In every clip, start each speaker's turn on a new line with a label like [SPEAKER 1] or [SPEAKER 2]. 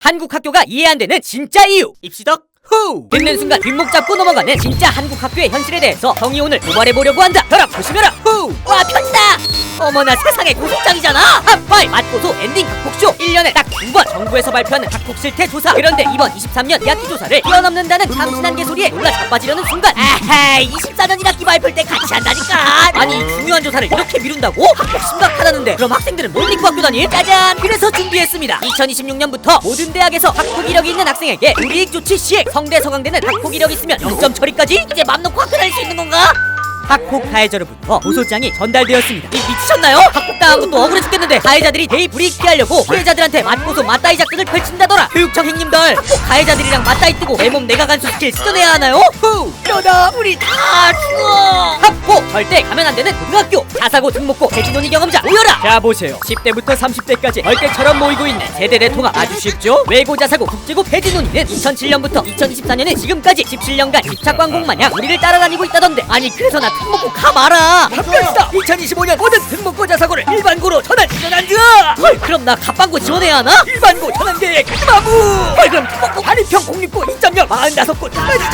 [SPEAKER 1] 한국 학교가 이해 안 되는 진짜 이유 입시덕 후! 듣는 순간 뒷목 잡고 넘어가는 진짜 한국 학교의 현실에 대해서 정이 오늘 도발해보려고 한다. 혈압 조심해라. 후! 와 편지다. 어머나 세상에 고소장이잖아. 핫파이 맛고소 엔딩 학폭쇼 1년에 딱 2번 정부에서 발표하는 학폭 실태 조사. 그런데 이번 23년 2학기 조사를 뛰어넘는다는 참신한 개소리에 놀라 자빠지려는 순간 아하 24년 1학기 발표할 때 같이 한다니까. 아니 이 중요한 조사를 이렇게 미룬다고? 학폭 심각하다는데 그럼 학생들은 뭘 믿고 학교 다니? 짜잔! 그래서 준비했습니다. 2026년부터 모든 대학에서 학폭 이력이 있는 학생에게 불이익 조치 시행. 성대 서강대는 학폭 이력이 있으면 0점 처리까지? 이제 맘 놓고 학교 다닐 수 있는 건가? 학폭 가해자로부터 고소장이 전달되었습니다. 미쳤나요? 학폭당한 것도 억울해 죽겠는데 가해자들이 대의 불이익 피하려고 피해자들한테 맞고소 맞다이 작전을 펼친다더라. 교육청 행님들 학폭 가해자들이랑 맞다이 뜨고 내 몸 내가 간수 스킬 시전해야 하나요? 후! 이러다 우리 다 죽어. 학폭 절대 가면 안 되는 고등학교. 자사고 등록고 대진논의 경험자 모여라. 자 보세요. 10대부터 30대까지 벌떼처럼 모이고 있는 세대대 통합 아주 쉽죠? 외고 자사고 국제고 대진논의는 2007년부터 2024년에 지금까지 17년간 집착광공 마냥 우리를 따라다니고 있다던데 아니 그래서 나 등록고 가마라. 합격이다. 2025년 모든 등록고 자사고를 일반고로 전환 지원한다. 헐 그럼 나 갑방고 지원해야 하나? 일반고 전환 계획 마무. 헐 그럼 등록고 한일평 공립고 2.0 45곳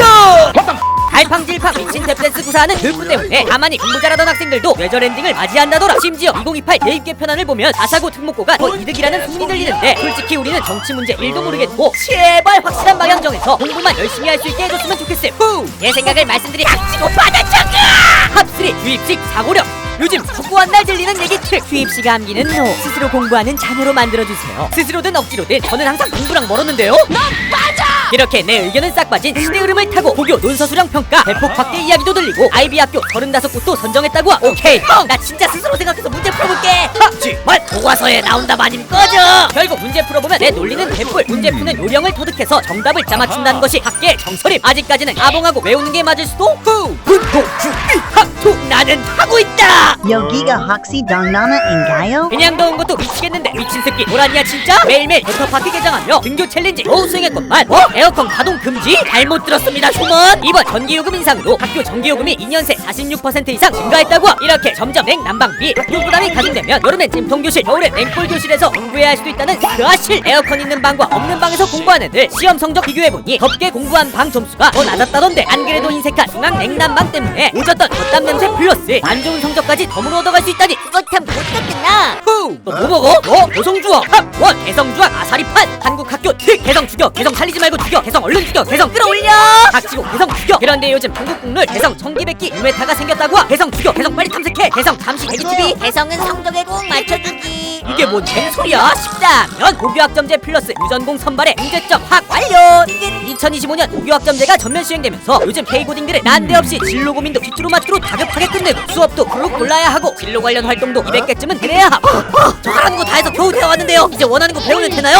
[SPEAKER 1] 전환 갈팡질팡 미친 탭댄스 구사하는 교육부 때문에 가만히 공부 잘하던 학생들도 뇌절 엔딩을 맞이한다더라. 심지어 2028 대입 개편안을 보면 자사고 등록고가 더 이득이라는 소문이 들리는데 솔직히 우리는 정치 문제 1도 모르겠고 제발 확실한 방향 정해서 공부만 열심히 할 수 있게 해줬으면 좋겠음. 후! 제 생각을 말씀드리 합치고 받아쳐가! 합쓰리 주입식 사고력. 요즘 속고한 날 들리는 얘기 트릭. 주입식 암기는 노. 스스로 공부하는 자녀로 만들어주세요. 스스로든 억지로든 저는 항상 공부랑 멀었는데요. 넌 빠져! 이렇게 내 의견은 싹 빠진 시대 흐름을 타고 고교 논서수령 평가 대폭 확대 이야기도 들리고 아이비 학교 35곳도 선정했다고. 오케이 형 나 진짜 스스로 생각해서 문제 풀어볼게. 하지만 교과서에 나온다 마님 꺼져. 결국 문제 풀어보면 내 논리는 개뿔. 문제 푸는 요령을 터득해서 정답을 짜맞춘다는 것이 학계의 정설임. 아직까지는 아봉하고 외우는 게 맞을 수도. 후! 운동 준비 학투 나는 하고 있다.
[SPEAKER 2] 여기가 학시 장난인가요?
[SPEAKER 1] 그냥 더운 것도 미치겠는데 미친 새끼 뭐라냐 진짜? 매일매일 워터파크 개장하며 등교 챌린지 겨우 수행했건만 에어컨 가동 금지? 잘못 들었습니다 휴먼. 이번 전기요금 인상으로 학교 전기요금이 2년 새 46% 이상 증가했다고. 이렇게 점점 냉난방비 학교 부담이 가중되면 여름엔 찜통교실 겨울엔 냉골교실에서 공부해야 할 수도 있다는 그 아실. 에어컨 있는 방과 없는 방에서 공부한 애들 시험 성적 비교해보니 덥게 공부한 방 점수가 더 낮았다던데 안 그래도 인색한 중앙 냉난방 때문에 오졌던 겉담 냄새 플러스 안 좋은 성적까지 덤으로 얻어갈 수 있다니 그거 참 못됐구나. 후! 너 뭐 먹어? 너 개성주황 합원 개성주황 아사리판. 한국 학교 특 개성 죽여 개성 살리지 말고 죽여 개성 얼른 죽여 개성 끌어올려. 닥치고 개성 죽여. 그런데 요즘 한국 국룰 개성 청기백기 유메타가 생겼다고. 개성 죽여 개성 빨리 탐색해 개성 잠시 대기TV.
[SPEAKER 3] 개성은 성적에 꼭 맞춰주기.
[SPEAKER 1] 이게 뭔 개소리야. 쉽다면 고교학점제 플러스 유전공 선발에 문제점 확 완료. 2025년 고교학점제가 전면 시행되면서 요즘 K고딩들은 난데없이 진로 고민도 뒤뚜루마뚜루 다급하게 끝내고 수업도 그룹 골라야 하고 진로 관련 활동도 200개쯤은 해야 하고 저 하라는 거 다 해서 겨우 되어왔는데요. 이제 원하는 거 배우면 되나요?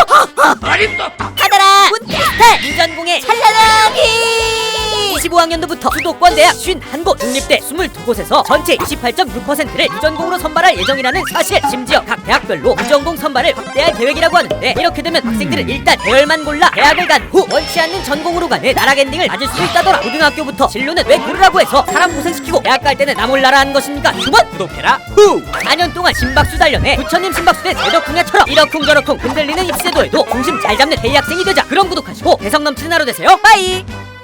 [SPEAKER 3] 하더라
[SPEAKER 1] 문테스트 유전공의 찰나라기. 25학년도부터 수도권 대학 51곳 국립대 22곳에서 전체 28.6%를 유전공으로 선발할 예정이라는 사실. 심지어 각 대학별로 유전공 선발을 확대할 계획이라고 하는데 이렇게 되면 학생들은 일단 대열만 골라 대학을 간 후 원치 않는 전공으로 가는 나락 엔딩을 맞을 수 있다더라. 고등학교부터 진로는 왜 고르라고 해서 사람 고생시키고 대학 갈 때는 나 몰라라 하는 것입니까? 주번 구독해라. 후! 4년 동안 심박수 단련해 부처님 심박수 대 대덕궁야처럼 이러쿵저러쿵 흔들리는 입시제도에도 중심 잘 잡는 대학생이 되자. 그럼 구독하시고 개성 넘치는 하루 되세요. 빠이.